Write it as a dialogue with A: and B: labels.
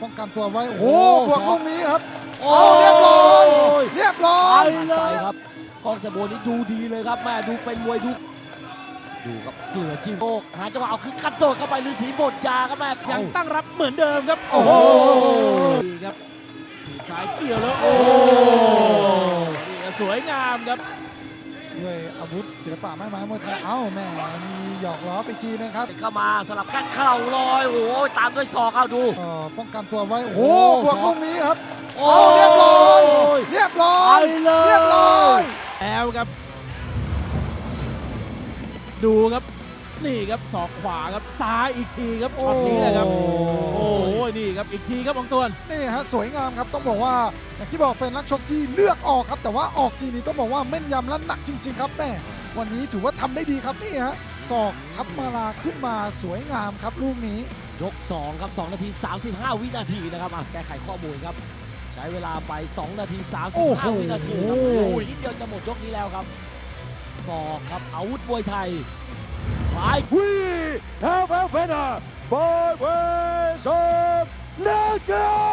A: ป้องกันตัวไว้โอ้โหบวกลูกนี้ครับ
B: โอ้
A: เอาเรียบร้อยเรียบร้อ
B: ไป
A: ย
B: เลยครับกองเสโบนี่ดูดีเลยครับแม่ดูเป็นมวยดูครับเกลือจิ้มโลกหาจังหวะเอาคือกระโดดเข้าไปฤาษีบดยาครับแม่
C: ยังตั้งรับเหมือนเดิมครับ
A: โอ้โห
C: นี่ครับถีบซ้ายเกี่ยวแล้วโอ้นี่ครับสวยงามครับ
A: ด้วยอาวุธศิลปะไม้ไม้มวยไทยเอ้าแม่มีหยอกล้อไปทีนะครับ
B: เข้ามาสลับแข้งเข่าลอยโอ้ยตามด้วยศอกเอาดู
A: ป้องกันตัวไว้โอ้โห
B: โอ้
A: บวกลูกนี้ครับ
B: โอ้
A: เอาเรียบร้อยเรียบร้อ
B: ไป
A: ย
B: เลย
A: เรียบร้อย
C: แล้วครับ ดูครับนี่ครับศอกขวาครับซ้ายอีกทีครับช็อตนี้แหละครับโอ้โหนี่ครับอีกทีครับบางตัวน
A: นี่ฮะสวยงามครับต้องบอกว่าอย่างที่บอกเป็นนักชกที่เลือกออกครับแต่ว่าออกทีนี้ต้องบอกว่าแม่นยำและหนักจริง ๆ ครับแม่วันนี้ถือว่าทำได้ดีครับนี่ฮะศอกทับมาลาขึ้นมาสวยงามครับลูกนี้
B: ยก 2 ครับ 2 นาที 35 วินาทีนะครับแก้ไขข้อมูลครับ ใช้เวลาไป 2 นาที
A: โอ้โห
B: 35 วินาทีครับโอ้ยนิดเดียวจะหมดยกนี้แล้วครับศอกครับอาวุธมวยไทยขวา
D: We have a winner by ways of knockout!